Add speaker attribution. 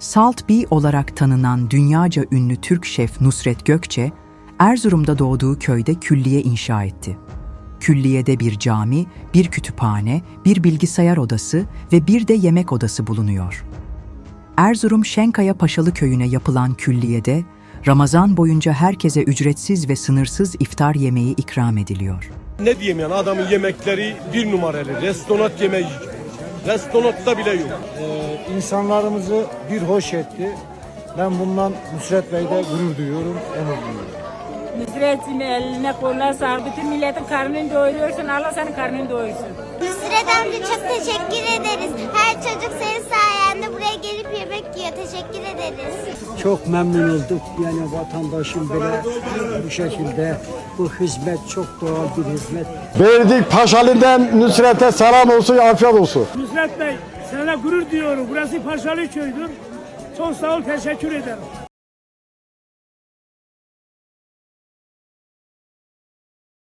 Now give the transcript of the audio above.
Speaker 1: Salt Bee olarak tanınan dünyaca ünlü Türk şef Nusret Gökçe, Erzurum'da doğduğu köyde külliye inşa etti. Külliyede bir cami, bir kütüphane, bir bilgisayar odası ve bir de yemek odası bulunuyor. Erzurum Şenkaya Paşalı Köyü'ne yapılan külliyede, Ramazan boyunca herkese ücretsiz ve sınırsız iftar yemeği ikram ediliyor.
Speaker 2: Ne diyeyim yani, adamın yemekleri bir numaralı. Restoran yemeği. Restoranda bile yok.
Speaker 3: İnsanlarımızı bir hoş etti. Ben bundan Nusret Bey'de gurur duyuyorum, onur duyuyorum.
Speaker 4: Nusret'in eline koluna sağlık. Bütün milletin karnını doyuruyorsun. Allah senin karnını doyursun.
Speaker 5: Nusret amca çok teşekkür ederiz. Her çocuk senin sayende buraya gelip yemek yiyor. Teşekkür ederiz.
Speaker 6: Çok memnun olduk. Yani vatandaşın bile bu şekilde bu hizmet çok doğal bir hizmet.
Speaker 7: Verdik Paşalı'dan Nusret'e selam olsun, afiyet olsun.
Speaker 8: Nusret Bey, sana gurur duyuyorum. Burası Paşalı köydür. Çok sağ ol, teşekkür ederim.